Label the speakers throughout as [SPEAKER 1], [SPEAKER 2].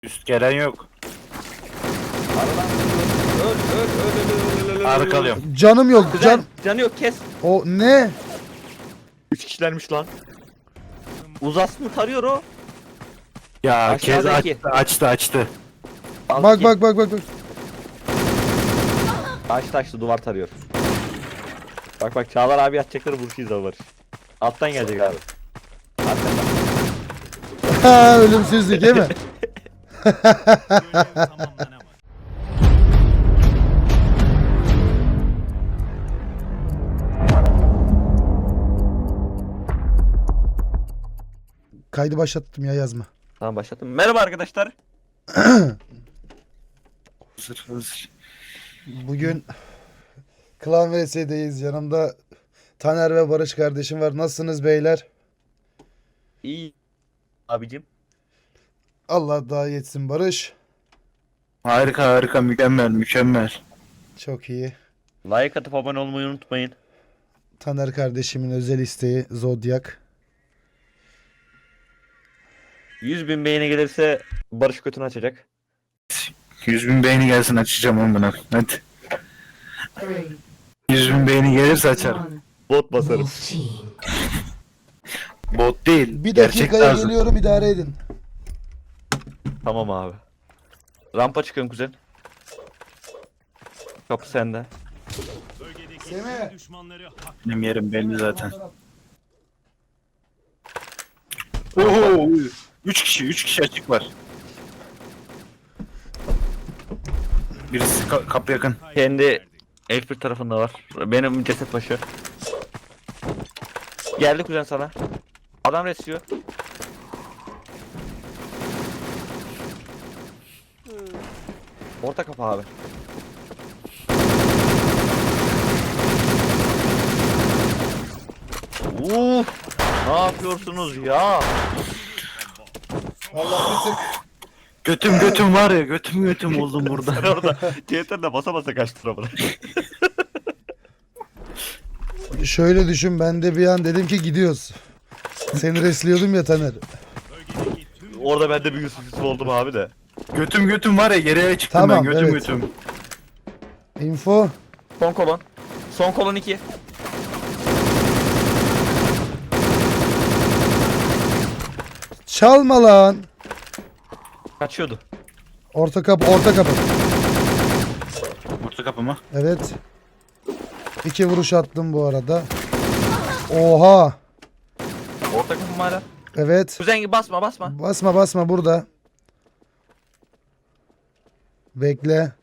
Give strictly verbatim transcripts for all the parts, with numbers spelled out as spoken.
[SPEAKER 1] Üst gelen yok.
[SPEAKER 2] Aradan öl öl öl öl öl öl öl.
[SPEAKER 1] Arkalıyorum.
[SPEAKER 3] Canım yok.
[SPEAKER 2] Güzel.
[SPEAKER 3] Can.
[SPEAKER 2] Canı yok, kes.
[SPEAKER 3] O ne?
[SPEAKER 2] Üç kişilermiş lan. Uzas mı tarıyor o?
[SPEAKER 1] Ya kez
[SPEAKER 2] Aşağıdaki.
[SPEAKER 1] açtı açtı açtı.
[SPEAKER 2] Al
[SPEAKER 3] Bak
[SPEAKER 2] ki.
[SPEAKER 3] bak bak bak bak.
[SPEAKER 2] Açtı açtı, duvar tarıyor. Bak bak, Çağlar abi atacakları vuruşuyuz abi Barış. Alttan gelecek abi. Arkadan.
[SPEAKER 3] Ha, ölümsüzlük değil mi? Kaydı başlattım ya, yazma.
[SPEAKER 2] Tamam, başlattım. Merhaba arkadaşlar.
[SPEAKER 1] Hazır hazır.
[SPEAKER 3] Bugün Klan V S'deyiz. Yanımda Taner ve Barış kardeşim var. Nasılsınız beyler?
[SPEAKER 2] İyi abicim.
[SPEAKER 3] Allah daha yetsin Barış.
[SPEAKER 1] Harika harika mükemmel mükemmel.
[SPEAKER 3] Çok iyi.
[SPEAKER 2] Like atıp abone olmayı unutmayın.
[SPEAKER 3] Taner kardeşimin özel isteği Zodyak.
[SPEAKER 2] yüz bin beğeni gelirse Barış götünü açacak.
[SPEAKER 1] yüz bin beğeni gelsin açacağım onu buna. Hadi. yüz bin beğeni gelirse açarım.
[SPEAKER 2] Bot basarım.
[SPEAKER 1] Bot değil.
[SPEAKER 3] Bir
[SPEAKER 1] gerçek
[SPEAKER 3] dakikaya
[SPEAKER 1] lazım.
[SPEAKER 3] geliyorum, idare edin.
[SPEAKER 2] Tamam abi. Rampa çıkın kuzen. Kapı sende.
[SPEAKER 3] Semih.
[SPEAKER 1] Benim yerim belli zaten. Oho! üç kişi üç kişi açık var. Birisi ka- kapı yakın.
[SPEAKER 2] Kendi F bir tarafında var. Benim ceset başı. Geldi kuzen sana. Adam resiyor. Orta kapı abi. Uf! Ne yapıyorsunuz ya?
[SPEAKER 3] Allah bir tık.
[SPEAKER 1] Götüm götüm var ya götüm götüm oldum
[SPEAKER 2] Sen
[SPEAKER 1] burada.
[SPEAKER 2] orada C T R'de basa basa kaçtın orada.
[SPEAKER 3] Şöyle düşün, ben de bir an dedim ki gidiyoruz. Seni resliyordum ya Taner.
[SPEAKER 2] Orada ben de bir Yusuf Yusuf oldum abi de.
[SPEAKER 1] Götüm götüm var ya geriye çıktım
[SPEAKER 3] Tamam,
[SPEAKER 1] ben götüm
[SPEAKER 3] evet.
[SPEAKER 1] götüm.
[SPEAKER 3] Info.
[SPEAKER 2] Son kolon. Son kolon iki.
[SPEAKER 3] Çalma lan.
[SPEAKER 2] Kaçıyordu.
[SPEAKER 3] Orta kapı, orta kapı.
[SPEAKER 1] Orta kapı mı?
[SPEAKER 3] Evet. İki vuruş attım bu arada. Oha.
[SPEAKER 2] Orta kapı mı hala?
[SPEAKER 3] Evet.
[SPEAKER 2] Kuzen gibi basma basma.
[SPEAKER 3] Basma basma burada. Bekle.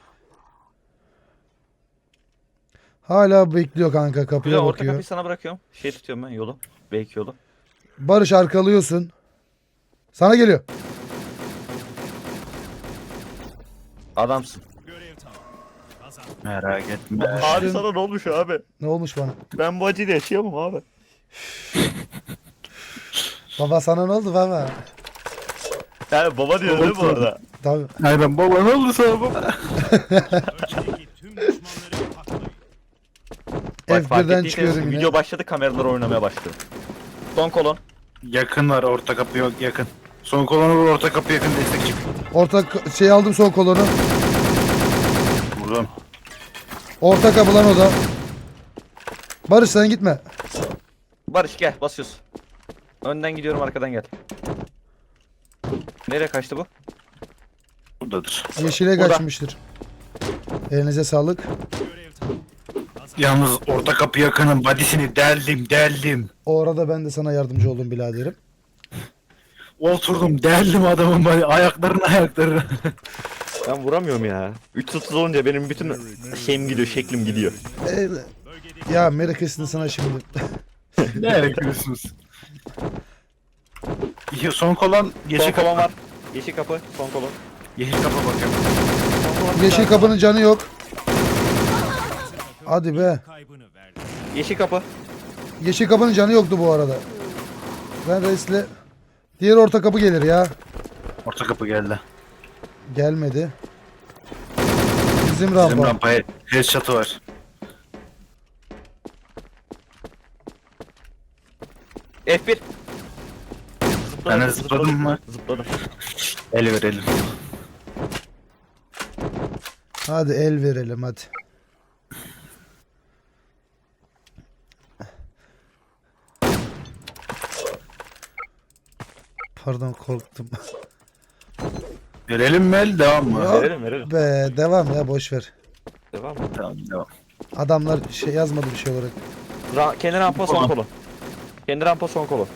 [SPEAKER 3] Hala bekliyor kanka,
[SPEAKER 2] Kuzen
[SPEAKER 3] kapıya
[SPEAKER 2] orta
[SPEAKER 3] bakıyor.
[SPEAKER 2] kapıyı sana bırakıyorum. Şey tutuyorum ben, yolu. Belki yolu.
[SPEAKER 3] Barış, arkalıyorsun. Sana geliyor.
[SPEAKER 2] Adamsın.
[SPEAKER 1] Merak etme.
[SPEAKER 2] Abi sana ne olmuş abi?
[SPEAKER 3] Ne olmuş bana?
[SPEAKER 2] Ben bu acıyla yaşayamam abi.
[SPEAKER 3] Baba sana ne oldu baba?
[SPEAKER 2] Yani baba diyor değil mi bu arada?
[SPEAKER 3] Tabii.
[SPEAKER 1] Aynen baba ne oldu sana baba?
[SPEAKER 2] Bak, fark
[SPEAKER 3] F bir'den
[SPEAKER 2] ettiyseniz
[SPEAKER 3] çıkıyorum yine.
[SPEAKER 2] video başladı, kameralar oynamaya başladı. Son kolon.
[SPEAKER 1] Yakın var orta kapı yok yakın. Son kolonu vur orta kapı yakın destek çık.
[SPEAKER 3] Orta k- şey aldım, son kolonu.
[SPEAKER 1] Vurdum.
[SPEAKER 3] Orta kapı lan o da. Barış sen gitme.
[SPEAKER 2] Barış gel, basıyoruz. Önden gidiyorum, arkadan gel. Nereye kaçtı bu?
[SPEAKER 1] Buradadır.
[SPEAKER 3] Yeşile
[SPEAKER 2] Burada.
[SPEAKER 3] kaçmıştır. Elinize sağlık.
[SPEAKER 1] Yalnız orta kapı yakının badisini deldim deldim.
[SPEAKER 3] O arada ben de sana yardımcı oldum biraderim.
[SPEAKER 1] Oturdum deldim adamın body ayaklarını ayaklarını.
[SPEAKER 2] Ben vuramıyorum ya. üç otuz olunca benim bütün şeyim gidiyor, şeklim gidiyor.
[SPEAKER 3] Ee, ya Merry Christmas sana şimdi.
[SPEAKER 1] Ne yapıyorsunuz? İyi, son kolon yeşil
[SPEAKER 2] Son
[SPEAKER 1] kapı
[SPEAKER 2] kolon var. Yeşil kapı, son kolon.
[SPEAKER 1] Yeşil kapı bakıyorum.
[SPEAKER 2] Son kolon.
[SPEAKER 3] Yeşil kapının canı yok. Hadi be.
[SPEAKER 2] Yeşil kapı.
[SPEAKER 3] Yeşil kapının canı yoktu bu arada. Ben resle. Diğer orta kapı gelir ya.
[SPEAKER 1] Orta kapı geldi.
[SPEAKER 3] Gelmedi. Bizim rampa.
[SPEAKER 1] Bizim rampaya headshot'ı var.
[SPEAKER 2] F bir.
[SPEAKER 1] Ben de zıpladım mı?
[SPEAKER 2] Zıpladım.
[SPEAKER 1] El verelim.
[SPEAKER 3] Hadi el verelim hadi. Pardon korktum.
[SPEAKER 1] Verelim mi el? Devam mı?
[SPEAKER 3] Ya.
[SPEAKER 2] Verelim verelim.
[SPEAKER 3] Be devam ya boş ver.
[SPEAKER 2] Devam mı?
[SPEAKER 1] Tamam devam.
[SPEAKER 3] Adamlar şey yazmadı bir şey olarak.
[SPEAKER 2] Ra kendi rampa son
[SPEAKER 1] Tamam.
[SPEAKER 2] kolu. Kendi rampa son kolu.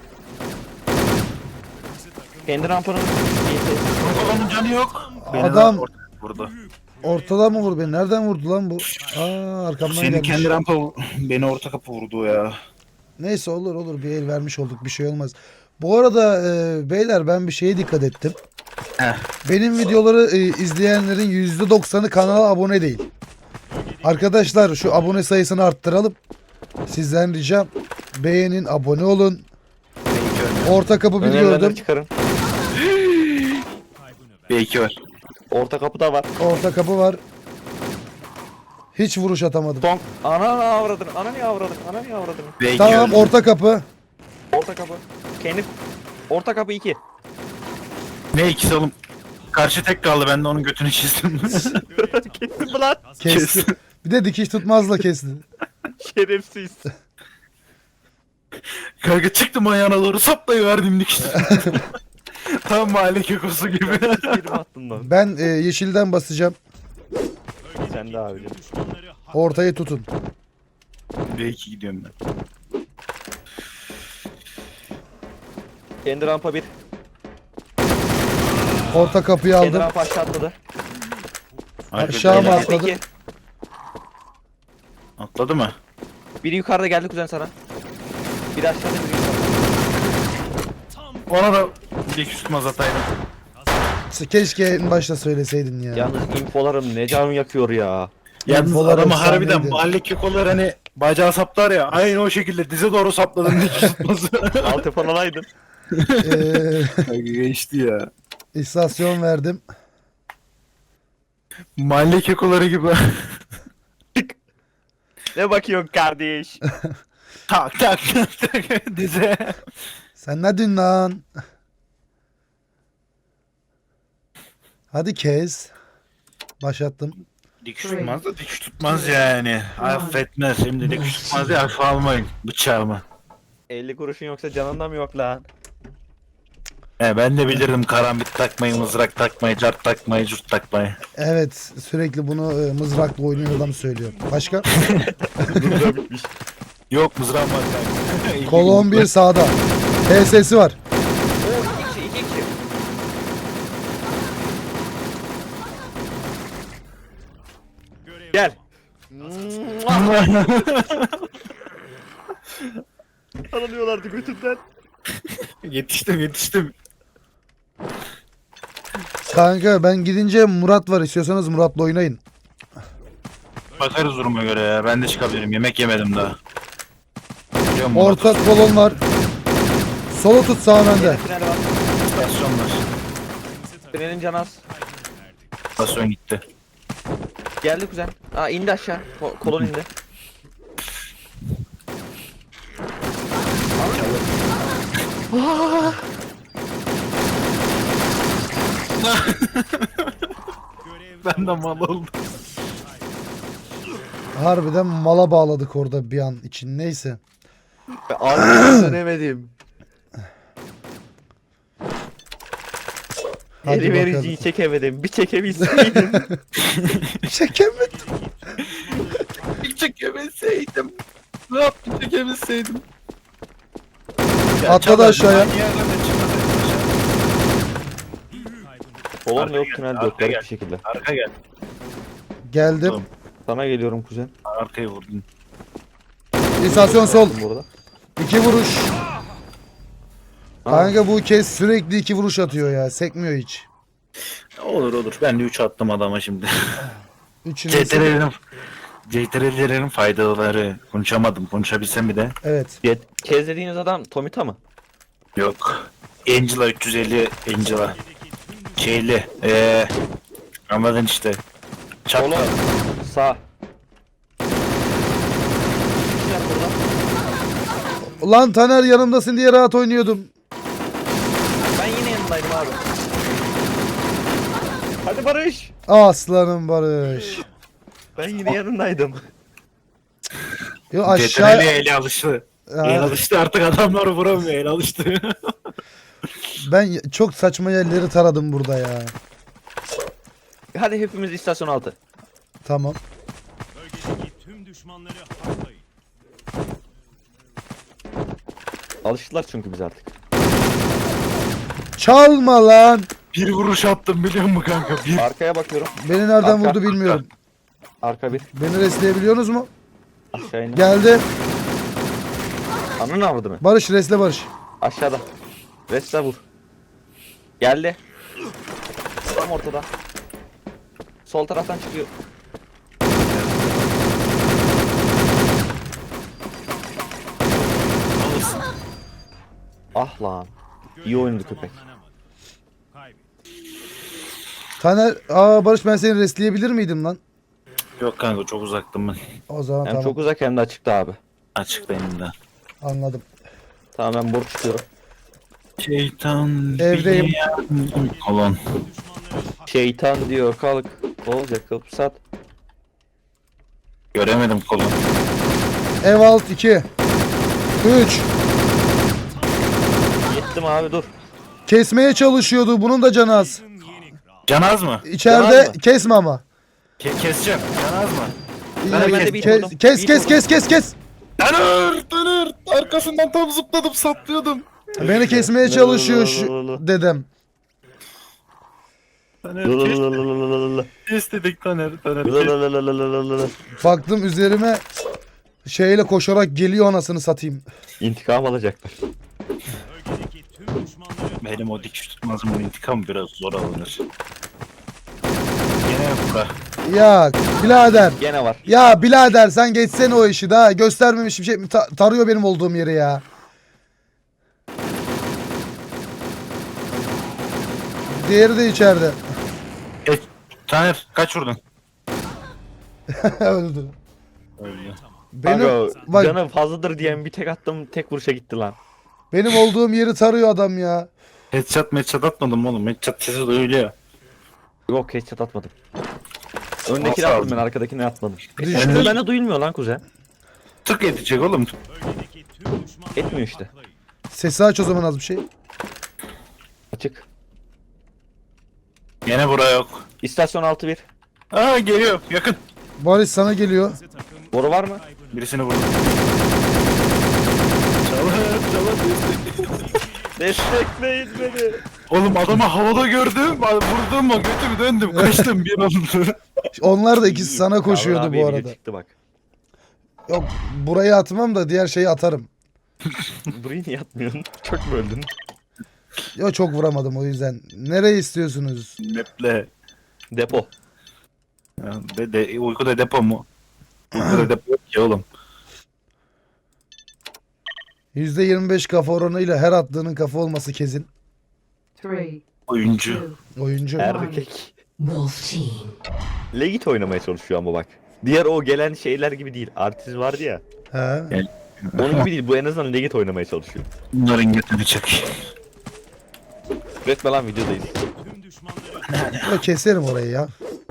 [SPEAKER 2] Kendi rampanın
[SPEAKER 1] Kolonun canı yok. Beni
[SPEAKER 3] Adam-
[SPEAKER 1] de ortaya vurdu.
[SPEAKER 3] Ortada mı vurdu beni? Nereden vurdu lan bu? Aa arkamdan
[SPEAKER 1] Senin
[SPEAKER 3] gelmiş.
[SPEAKER 1] kendi rampa beni orta kapı vurdu ya.
[SPEAKER 3] Neyse olur olur bir el vermiş olduk bir şey olmaz. Bu arada e, beyler ben bir şeye dikkat ettim.
[SPEAKER 1] Heh.
[SPEAKER 3] Benim videoları e, izleyenlerin yüzde doksanı kanala abone değil. Arkadaşlar şu abone sayısını arttıralım. Sizden ricam beğenin, abone olun. Orta kapı bir
[SPEAKER 2] önerilenleri
[SPEAKER 3] gördüm.
[SPEAKER 2] çıkarın.
[SPEAKER 1] B iki var.
[SPEAKER 2] Orta kapıda var.
[SPEAKER 3] Orta kapı var. Hiç vuruş atamadım.
[SPEAKER 2] Son. Ana ne avradın? Ana niye avradın? Ana niye avradın?
[SPEAKER 1] B iki
[SPEAKER 3] Tamam
[SPEAKER 1] var.
[SPEAKER 3] orta kapı.
[SPEAKER 2] Orta kapı. Kendi orta kapı iki.
[SPEAKER 1] Ne ikisi oğlum? Karşı tek kaldı, ben de onun götünü çizdim.
[SPEAKER 2] Kestin mi lan?
[SPEAKER 3] Kesti. Bir de dikiş tutmazla kesti.
[SPEAKER 2] Şerefsiz.
[SPEAKER 1] Kanka çıktım ayağına doğru saplayıverdim dikişte. Tam mahalle kekosu gibi.
[SPEAKER 2] Yirmi attın lan.
[SPEAKER 3] Ben e, yeşilden basacağım.
[SPEAKER 2] Sen de abicim.
[SPEAKER 3] Ortayı tutun.
[SPEAKER 1] B iki gidiyorum ben.
[SPEAKER 2] Kendi rampa bir.
[SPEAKER 3] Orta kapıyı
[SPEAKER 2] Kendi
[SPEAKER 3] aldım.
[SPEAKER 2] rampa aşağı atladı.
[SPEAKER 3] Aşağı
[SPEAKER 2] Kendi
[SPEAKER 3] mı
[SPEAKER 2] rampa
[SPEAKER 3] atladı?
[SPEAKER 2] iki.
[SPEAKER 1] Atladı mı?
[SPEAKER 2] Biri yukarıda geldi kuzen sana. Biri aşağıda biri yukarıda.
[SPEAKER 1] Ona da dikiş tutmaz ataydım.
[SPEAKER 3] Keşke en başta söyleseydin ya.
[SPEAKER 2] Yalnız infolarım ne canım yakıyor ya.
[SPEAKER 1] Yalnız
[SPEAKER 3] İnfolar
[SPEAKER 1] adamı
[SPEAKER 3] efsaneydi.
[SPEAKER 1] harbiden mahalle kekolar hani bacağı saplar ya. Aynı o şekilde dize doğru sapladım dikiş tutması.
[SPEAKER 2] Altı falan alaydın.
[SPEAKER 3] Ee,
[SPEAKER 1] Geçti ya.
[SPEAKER 3] istasyon verdim.
[SPEAKER 1] Mahalle kekoları gibi.
[SPEAKER 2] Ne bakıyorsun kardeş?
[SPEAKER 1] tak tak tak tak dize.
[SPEAKER 3] Sen ne dün lan? Hadi kes. Başlattım.
[SPEAKER 1] Dikiş tutmaz da dikiş tutmaz yani. Affetmez. Şimdi dikiş tutmaz ya, hafife almayın bıçağımı.
[SPEAKER 2] elli kuruşun yoksa canında mı yok lan?
[SPEAKER 1] He, ben de bilirdim karambit takmayı, mızrak takmayı, cart takmayı, curt takmayı.
[SPEAKER 3] Evet sürekli bunu e, mızrakla oynayan adam söylüyor. Başka?
[SPEAKER 2] Burada bitmiş.
[SPEAKER 1] Yok mızrağım var kanka.
[SPEAKER 3] Kolon bir sağda. T S'si var.
[SPEAKER 2] Oo iki kişi iki kişi. Gel. Aranıyorlardı götünden.
[SPEAKER 1] Yetiştim yetiştim.
[SPEAKER 3] Kanka ben gidince Murat var. İstiyorsanız Murat'la oynayın.
[SPEAKER 1] Bakarız duruma göre ya. Ben de çıkabilirim. Yemek yemedim daha. Biliyor musun?
[SPEAKER 3] Orta kolon var. Solu tut sağ önde.
[SPEAKER 2] Tünel var.
[SPEAKER 1] İstasyon var.
[SPEAKER 2] Tünelin canı az.
[SPEAKER 1] İstasyon gitti.
[SPEAKER 2] Geldi kuzen. Aa indi aşağı. Ko- kolon indi.
[SPEAKER 1] Ben de mal oldum.
[SPEAKER 3] Harbiden mala bağladık orada bir an için. Neyse.
[SPEAKER 2] Abi dönemedim.
[SPEAKER 3] Hadi
[SPEAKER 2] Eri vericiyi
[SPEAKER 3] bakalım.
[SPEAKER 2] çekemedim. Bir çekebilseydim.
[SPEAKER 3] Çekemedim.
[SPEAKER 1] Bir çekebilseydim. Ne yaptım çekebilseydim.
[SPEAKER 3] Atladı aşağıya.
[SPEAKER 2] Kolon
[SPEAKER 1] Arka
[SPEAKER 2] yok
[SPEAKER 1] gel,
[SPEAKER 2] tünel
[SPEAKER 1] arka
[SPEAKER 2] yok garip
[SPEAKER 1] gel.
[SPEAKER 2] bir şekilde.
[SPEAKER 1] Arka gel.
[SPEAKER 3] Geldim.
[SPEAKER 1] Tamam.
[SPEAKER 2] Sana geliyorum kuzen.
[SPEAKER 1] Arkayı vurdun.
[SPEAKER 3] İstasyon sol.
[SPEAKER 2] Burada.
[SPEAKER 3] İki vuruş.
[SPEAKER 2] Aa.
[SPEAKER 3] Kanka bu kez sürekli iki vuruş atıyor ya. Sekmiyor hiç.
[SPEAKER 1] Olur olur. Ben de üç attım adama şimdi.
[SPEAKER 3] Üçünü
[SPEAKER 1] C T R'lerin C T R'lerin faydaları. Konuşamadım. Konuşabilsem bir de.
[SPEAKER 3] Evet.
[SPEAKER 2] Ke- Kez dediğiniz adam Tomita mı?
[SPEAKER 1] Yok. Angela üç yüz elli Angela. Şeyli. Eee. Anladın işte. Çapta.
[SPEAKER 2] Kolon. Sağ. Kişiler burada.
[SPEAKER 3] Ulan Taner yanımdasın diye rahat oynuyordum.
[SPEAKER 2] Ben yine yanındaydım abi. Hadi Barış.
[SPEAKER 3] Aslanım Barış.
[SPEAKER 2] Ben yine yanındaydım.
[SPEAKER 3] Yo
[SPEAKER 1] Aşağı...
[SPEAKER 3] aşağı...
[SPEAKER 1] eli alıştı.
[SPEAKER 3] Ha,
[SPEAKER 1] El alıştı artık adamlar vuramıyor el alıştı.
[SPEAKER 3] ben çok saçma yerleri taradım burada ya.
[SPEAKER 2] Hadi hepimiz istasyon altı.
[SPEAKER 3] Tamam.
[SPEAKER 4] Bölgedeki tüm düşmanları haklayın.
[SPEAKER 2] Alıştılar çünkü biz artık.
[SPEAKER 3] Çalma lan.
[SPEAKER 1] Bir vuruş attım biliyor musun kanka? Bir.
[SPEAKER 2] Arkaya bakıyorum.
[SPEAKER 3] Beni nereden
[SPEAKER 2] Arka,
[SPEAKER 3] vurdu bilmiyorum.
[SPEAKER 2] Arka bir.
[SPEAKER 3] Beni resleyebiliyorsunuz mu?
[SPEAKER 2] Aşağı in.
[SPEAKER 3] Geldi.
[SPEAKER 2] Ananı avradı mı?
[SPEAKER 3] Barış resle Barış.
[SPEAKER 2] Aşağıda. Resta vur. Geldi. Tam ortada. Sol taraftan çıkıyor. Ah lan. İyi oynadı köpek.
[SPEAKER 4] Kaybet.
[SPEAKER 3] Taner, aa Barış ben seni resleyebilir miydim lan?
[SPEAKER 1] Yok kanka çok uzaktım ben.
[SPEAKER 3] O zaman
[SPEAKER 2] Hem
[SPEAKER 3] tamam
[SPEAKER 2] çok uzak hem de açıkta abi.
[SPEAKER 1] Açıklayayım da.
[SPEAKER 3] anladım.
[SPEAKER 2] Tamam ben boru çıkıyorum.
[SPEAKER 1] Şeytan
[SPEAKER 3] Evdeyim.
[SPEAKER 1] bir yardım- Kolon.
[SPEAKER 4] Düşmanları hak
[SPEAKER 2] Şeytan diyor kalk. Olacak kapsat.
[SPEAKER 1] Göremedim kolon.
[SPEAKER 3] Ev alt iki. üç.
[SPEAKER 2] Gittim abi dur.
[SPEAKER 3] Kesmeye çalışıyordu. Bunun da canı az.
[SPEAKER 4] yeni kral.
[SPEAKER 1] Canaz mı?
[SPEAKER 3] İçeride
[SPEAKER 2] Canaz mı?
[SPEAKER 3] kesme ama.
[SPEAKER 1] Ke keseceğim. Canaz mı?
[SPEAKER 3] İyi,
[SPEAKER 2] Ben de
[SPEAKER 3] kes,
[SPEAKER 2] bir
[SPEAKER 3] kes,
[SPEAKER 2] vurdum.
[SPEAKER 3] kes,
[SPEAKER 2] Bir
[SPEAKER 3] kes,
[SPEAKER 2] vurdum.
[SPEAKER 3] kes, kes, kes.
[SPEAKER 1] Tanır! Tanır! Arkasından tam zıpladım saplıyordum.
[SPEAKER 3] Beni kesmeye çalışıyor şu dedem.
[SPEAKER 1] Taner kes, kes dedik Taner. Taner kes.
[SPEAKER 3] Baktım üzerime şeyle koşarak geliyor anasını satayım.
[SPEAKER 2] İntikam alacaklar.
[SPEAKER 4] Bölgedeki tüm düşmanları
[SPEAKER 1] Benim o dikiş tutmazımın intikamı biraz zor alınır. Gene bura.
[SPEAKER 3] Ya birader.
[SPEAKER 2] Gene var.
[SPEAKER 3] Ya birader sen geçsene o işi daha göstermemiş bir şey ta- tarıyor benim olduğum yeri ya. Diğeri de içeride.
[SPEAKER 1] E, Taner kaç vurdun?
[SPEAKER 3] Öldü.
[SPEAKER 1] Öyle.
[SPEAKER 3] Benim
[SPEAKER 2] Kanka,
[SPEAKER 3] bak
[SPEAKER 2] canı fazladır diyen bir tek attım tek vuruşa gitti lan.
[SPEAKER 3] benim olduğum yeri tarıyor adam ya.
[SPEAKER 1] Headshot headshot atmadım oğlum. Headshot sesi duyuluyor.
[SPEAKER 2] Yok headshot atmadım. Öndekini
[SPEAKER 1] Nasıl
[SPEAKER 2] attım
[SPEAKER 1] aldın?
[SPEAKER 2] ben arkadakini atmadım.
[SPEAKER 3] Düştü.
[SPEAKER 2] Sesli bende duyulmuyor lan kuzen.
[SPEAKER 1] Tık edecek oğlum.
[SPEAKER 4] bölgedeki tüm düşmanları
[SPEAKER 2] Etmiyor işte.
[SPEAKER 4] haklayın.
[SPEAKER 3] Sesi aç o zaman az bir şey.
[SPEAKER 2] Açık.
[SPEAKER 1] Gene bura yok.
[SPEAKER 2] İstasyon altı bir.
[SPEAKER 1] Aa geliyor yakın.
[SPEAKER 3] Barış sana geliyor.
[SPEAKER 4] Bize takım
[SPEAKER 2] Boru var mı?
[SPEAKER 4] kaybını
[SPEAKER 1] Birisini vurdum. Çalar çalar.
[SPEAKER 2] Destekleyin beni.
[SPEAKER 1] Oğlum adamı havada gördüm. Vurdum mu götümü döndüm. Kaçtım bir anda.
[SPEAKER 3] Onlar da ikisi sana
[SPEAKER 2] Yavru
[SPEAKER 3] koşuyordu
[SPEAKER 2] abiye
[SPEAKER 3] bu
[SPEAKER 2] video
[SPEAKER 3] arada.
[SPEAKER 2] Çıktı bak.
[SPEAKER 3] Yok burayı atmam da diğer şeyi atarım.
[SPEAKER 2] Burayı niye atmıyorsun? Çok mu öldün?
[SPEAKER 3] Yok çok vuramadım o yüzden. Nereye istiyorsunuz?
[SPEAKER 1] Neple.
[SPEAKER 2] Depo.
[SPEAKER 1] Ya, de, de, uykuda depo mu? Uykuda depo yok ki oğlum.
[SPEAKER 3] yüzde yirmi beş kafa oranıyla her attığının kafa olması kesin.
[SPEAKER 5] Three,
[SPEAKER 1] Oyuncu.
[SPEAKER 5] two,
[SPEAKER 3] Oyuncu.
[SPEAKER 2] Erkek.
[SPEAKER 5] Wolf Team.
[SPEAKER 2] Legit oynamaya çalışıyor ama bak. Diğer o gelen şeyler gibi değil. Artist vardı ya.
[SPEAKER 3] He.
[SPEAKER 2] Onun gibi değil. Bu en azından Legit oynamaya çalışıyor.
[SPEAKER 1] Bunların götünü çek.
[SPEAKER 2] Üretme lan videodayız.
[SPEAKER 4] tüm düşmanları
[SPEAKER 3] Ya keserim orayı ya.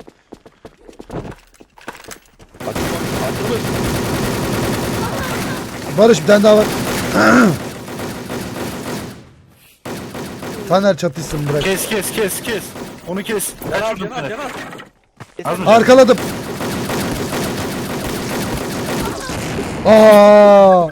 [SPEAKER 2] Bak, açılmış.
[SPEAKER 3] Barış bir tane daha var. Taner çatışsın bırak.
[SPEAKER 1] Kes kes kes kes. Onu kes. Kaç
[SPEAKER 2] Caner
[SPEAKER 1] vurdun
[SPEAKER 2] Caner
[SPEAKER 1] Taner?
[SPEAKER 2] Caner.
[SPEAKER 1] Az mı?
[SPEAKER 3] Arkaladım. Aa!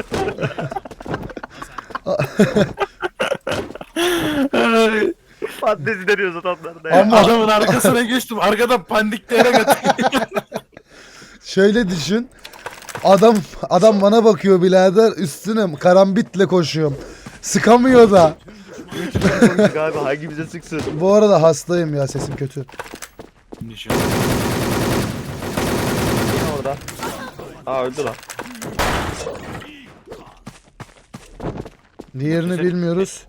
[SPEAKER 1] Ay,
[SPEAKER 2] Fantezi deniyoruz adamlar da ya.
[SPEAKER 3] Ama
[SPEAKER 1] Adamın arkasına geçtim. Arkadan pandikleyerek atıyor.
[SPEAKER 3] şöyle düşün. Adam adam bana bakıyor birader üstüne karambitle koşuyorum. Sıkamıyor da.
[SPEAKER 2] Abi hangimize sıksın?
[SPEAKER 3] Bu arada hastayım ya sesim kötü.
[SPEAKER 2] Yine orada. Aa öldü lan.
[SPEAKER 3] Diğerini bilmiyoruz.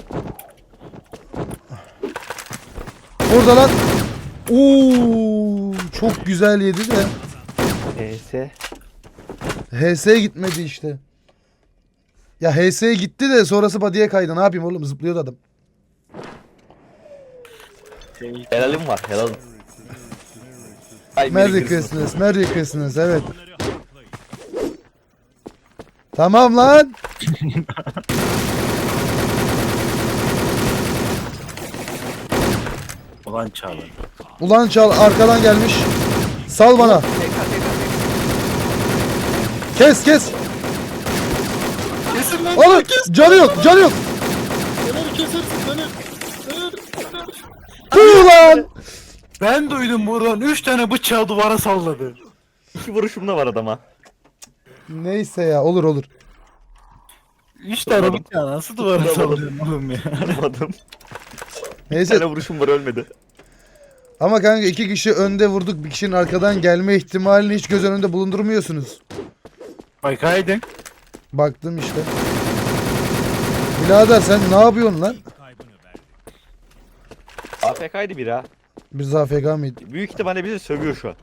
[SPEAKER 3] Burada lan. Oo, çok güzel yedi de.
[SPEAKER 2] E S.
[SPEAKER 3] H S'ye gitmedi işte. Ya H S'ye gitti de sonrası body'ye kaydı. Ne yapayım oğlum zıplıyordu adam.
[SPEAKER 2] Helalim var helalim. Ay,
[SPEAKER 3] Merry Christmas, Merry Christmas, evet.
[SPEAKER 4] Düşmanları haklayın.
[SPEAKER 3] Tamam lan.
[SPEAKER 1] Ulan Çağlar.
[SPEAKER 3] Ulan çal arkadan gelmiş. Sal bana. Kes kes.
[SPEAKER 1] Kesin lan.
[SPEAKER 3] Oğlum canı yok, canı yok.
[SPEAKER 1] Fener kesersin Fener. Fener.
[SPEAKER 3] Tüh lan.
[SPEAKER 1] Ben duydum buradan üç tane bıçağı duvara salladı.
[SPEAKER 2] İki vuruşum da var adama.
[SPEAKER 3] Neyse ya, olur olur.
[SPEAKER 1] üç tane bıçağı nasıl duvara sallıyorsun oğlum ya?
[SPEAKER 2] Vurmadım. Bir
[SPEAKER 3] Neyse
[SPEAKER 2] tane vuruşum var ölmedi.
[SPEAKER 3] ama kanka iki kişi önde vurduk, bir kişinin arkadan gelme ihtimalini hiç göz önünde bulundurmuyorsunuz.
[SPEAKER 1] Bakaydın.
[SPEAKER 3] Baktım işte. Birader sen ne yapıyorsun lan?
[SPEAKER 4] Kaybını verdi.
[SPEAKER 2] A F K'ydı biri ha.
[SPEAKER 3] Biz A F K mıydık?
[SPEAKER 2] Büyük ihtimalle bizi sövüyor şu an.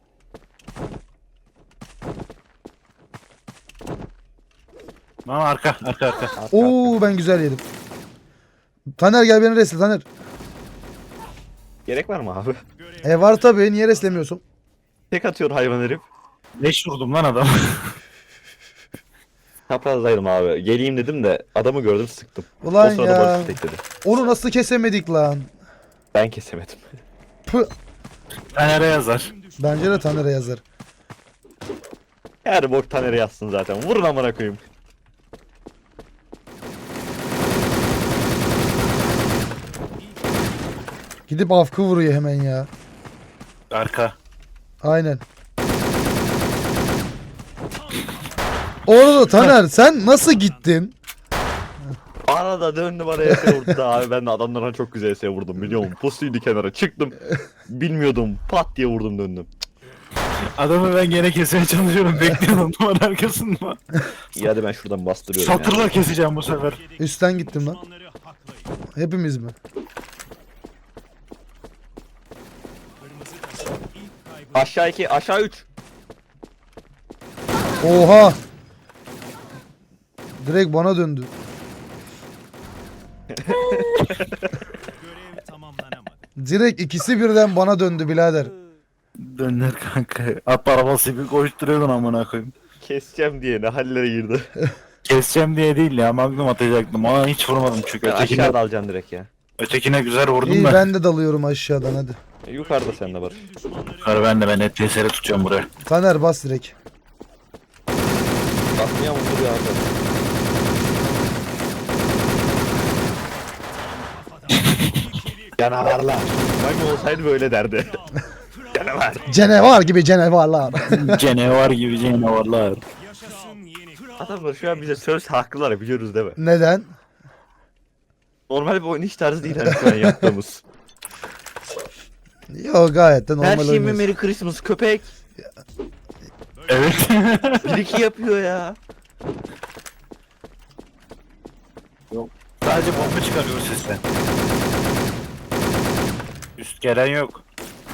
[SPEAKER 1] Ama arka arka arka.
[SPEAKER 2] Arka,
[SPEAKER 3] Oo ben güzel yedim. Taner gel beni resle Taner.
[SPEAKER 2] Gerek var mı abi?
[SPEAKER 3] E var tabii, niye reslemiyorsun?
[SPEAKER 2] Tek atıyor hayvan herif.
[SPEAKER 1] Leş vurdum lan adam.
[SPEAKER 2] Çaprazdaydım abi. Geleyim dedim de adamı gördüm sıktım.
[SPEAKER 3] Ulan
[SPEAKER 2] o sırada
[SPEAKER 3] ya.
[SPEAKER 2] Barış tekledi.
[SPEAKER 3] Onu nasıl kesemedik lan?
[SPEAKER 2] Ben kesemedim.
[SPEAKER 3] Pı.
[SPEAKER 1] Fener'e yazar.
[SPEAKER 3] Bence de Taner'e yazar.
[SPEAKER 2] Her bok Taner'e yazsın zaten. Vurun amına koyayım.
[SPEAKER 3] Gidip afkı vuruyor hemen ya.
[SPEAKER 1] Arka.
[SPEAKER 3] Aynen. Orada Taner sen nasıl gittin?
[SPEAKER 2] Arada döndü bana E S vurdu da abi ben de adamlardan çok güzel E S vurdum biliyor musun? Pusuydu kenara çıktım. Bilmiyordum pat diye vurdum döndüm.
[SPEAKER 1] Adamı ben gene kesmeye çalışıyorum. Bekliyorum duvar arkasında.
[SPEAKER 2] İyi hadi ben şuradan bastırıyorum ya.
[SPEAKER 1] Satırla keseceğim bu sefer.
[SPEAKER 3] Üstten gittim lan.
[SPEAKER 4] Düşmanları haklayın.
[SPEAKER 3] Hepimiz mi?
[SPEAKER 4] Kırmızı takım ilk kaybını
[SPEAKER 2] Aşağı iki aşağı üç.
[SPEAKER 3] Oha. Direkt bana döndü.
[SPEAKER 4] görev tamamlanamadı.
[SPEAKER 3] Direkt ikisi birden bana döndü birader.
[SPEAKER 1] Döner kanka. At arabası gibi koşturuyordun amına koyayım.
[SPEAKER 2] Keseceğim diye ne hallere girdi.
[SPEAKER 1] Keseceğim diye değil ya. Magnum atacaktım. Ona hiç vurmadım çünkü.
[SPEAKER 2] Ben
[SPEAKER 1] Ötekine,
[SPEAKER 2] aşağıda alacağım direkt ya.
[SPEAKER 1] ötekine güzel vurdum
[SPEAKER 3] İyi
[SPEAKER 1] da.
[SPEAKER 3] ben de dalıyorum aşağıdan hadi.
[SPEAKER 2] E, yukarıda sen de var.
[SPEAKER 4] Tüm düşmanları
[SPEAKER 1] Yukarı ben de ben net T S R tutacağım buraya.
[SPEAKER 3] Taner bas direkt.
[SPEAKER 2] Basmaya mı vuruyor abi? Canavarlar. Ben olsaydı böyle derdi. Canavar.
[SPEAKER 3] Canavar gibi canavarlar.
[SPEAKER 1] Canavar gibi canavarlar.
[SPEAKER 4] yaşasın yeni kral.
[SPEAKER 2] Adamlar şu an bize söz haklılar biliyoruz değil mi?
[SPEAKER 3] Neden?
[SPEAKER 2] Normal bir oynayış tarzı değil hani şu an yaptığımız.
[SPEAKER 3] Yo gayet de
[SPEAKER 2] Her
[SPEAKER 3] normal
[SPEAKER 2] şeyimi
[SPEAKER 3] oynuyorsun.
[SPEAKER 2] Merry Christmas köpek.
[SPEAKER 1] Evet.
[SPEAKER 2] Bir iki yapıyor ya.
[SPEAKER 1] Sadece bomba çıkarıyor sesten. Üst gelen yok.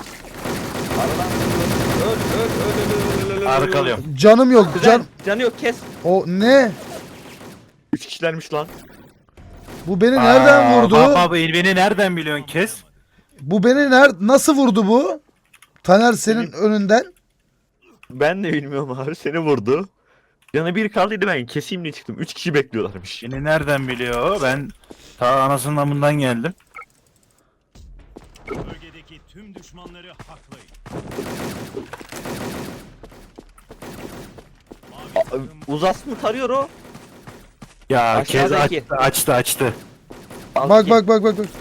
[SPEAKER 2] Öl öl öl öl öl öl öl.
[SPEAKER 1] Arkalıyorum.
[SPEAKER 3] Canım yok
[SPEAKER 2] Güzel.
[SPEAKER 3] can.
[SPEAKER 2] Canı yok kes.
[SPEAKER 3] O ne?
[SPEAKER 2] Üç kişilermiş lan.
[SPEAKER 3] Bu beni nereden
[SPEAKER 1] Aa,
[SPEAKER 3] vurdu?
[SPEAKER 1] Baba baba beni nereden biliyorsun kes?
[SPEAKER 3] Bu beni ner nasıl vurdu bu? Taner senin önünden.
[SPEAKER 2] Ben de bilmiyorum abi seni vurdu. Canı bir kaldıydı ben keseyim diye çıktım. Üç kişi bekliyorlarmış.
[SPEAKER 1] Beni nereden biliyor o? Ben ta anasının amından geldim.
[SPEAKER 4] Bölgedeki tüm düşmanları haklayın. Mavi
[SPEAKER 2] Aa,
[SPEAKER 4] takım
[SPEAKER 2] Uzas mı tarıyor o?
[SPEAKER 1] Ya kez
[SPEAKER 2] Aşağıdaki.
[SPEAKER 1] açtı açtı açtı.
[SPEAKER 2] Al
[SPEAKER 3] Bak
[SPEAKER 2] ki.
[SPEAKER 3] bak bak bak bak.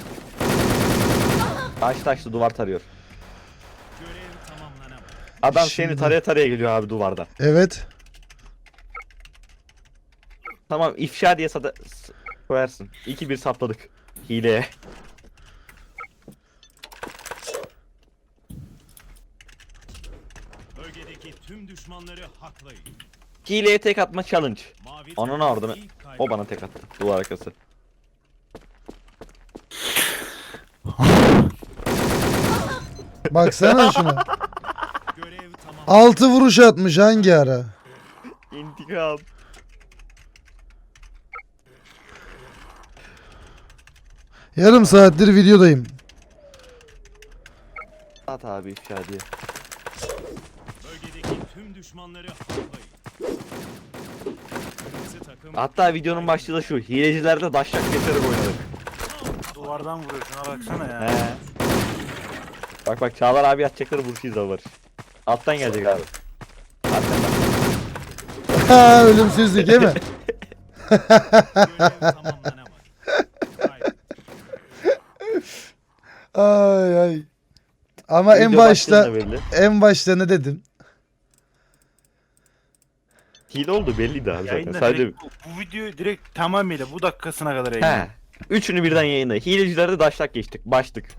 [SPEAKER 2] Açtı açtı duvar tarıyor.
[SPEAKER 4] görev tamamlanamadı.
[SPEAKER 2] Adam
[SPEAKER 3] Şimdi-
[SPEAKER 2] seni taraya taraya geliyor abi duvarda.
[SPEAKER 3] Evet.
[SPEAKER 2] Tamam ifşa diye sada s- koyarsın. iki bir sapladık. Hileye.
[SPEAKER 4] Bölgedeki tüm düşmanları haklayın.
[SPEAKER 2] Hileye tek atma challenge.
[SPEAKER 4] Mavi
[SPEAKER 2] Ananı
[SPEAKER 4] takım
[SPEAKER 2] ardını.
[SPEAKER 4] ilk kaybını
[SPEAKER 2] O bana tek attı. Duvar arkası.
[SPEAKER 3] Baksana şuna.
[SPEAKER 4] görev tamam.
[SPEAKER 3] Altı vuruş atmış hangi ara?
[SPEAKER 2] İntikam.
[SPEAKER 3] Yarım saattir videodayım.
[SPEAKER 2] At abi ifşa diye.
[SPEAKER 4] Bölgedeki tüm düşmanları haklayın. Kırmızı takım
[SPEAKER 2] Hatta videonun başlığı da şu. Hilecilerde daşşak getirip oynadık.
[SPEAKER 1] Duvardan vuruyor şuna baksana ya.
[SPEAKER 2] He. Bak bak Çağlar abi atacakları vuruş izle Barış. Alttan gelecek abi. Arkandan.
[SPEAKER 3] Ha, ölümsüzlük değil mi?
[SPEAKER 4] görev tamamlanamadı. Kaybettik.
[SPEAKER 3] Ay ay. Ama en
[SPEAKER 2] Video başlığında
[SPEAKER 3] başta
[SPEAKER 2] belli.
[SPEAKER 3] en başta ne dedim?
[SPEAKER 2] Hile oldu belliydi abi zaten.
[SPEAKER 1] Yayında
[SPEAKER 2] Sadece
[SPEAKER 1] direkt, bu, bu videoyu direkt tamamıyla bu dakikasına kadar yayınladım.
[SPEAKER 2] he. Üçünü birden yayınla. Hilecilerde daşlak geçtik. Başlık.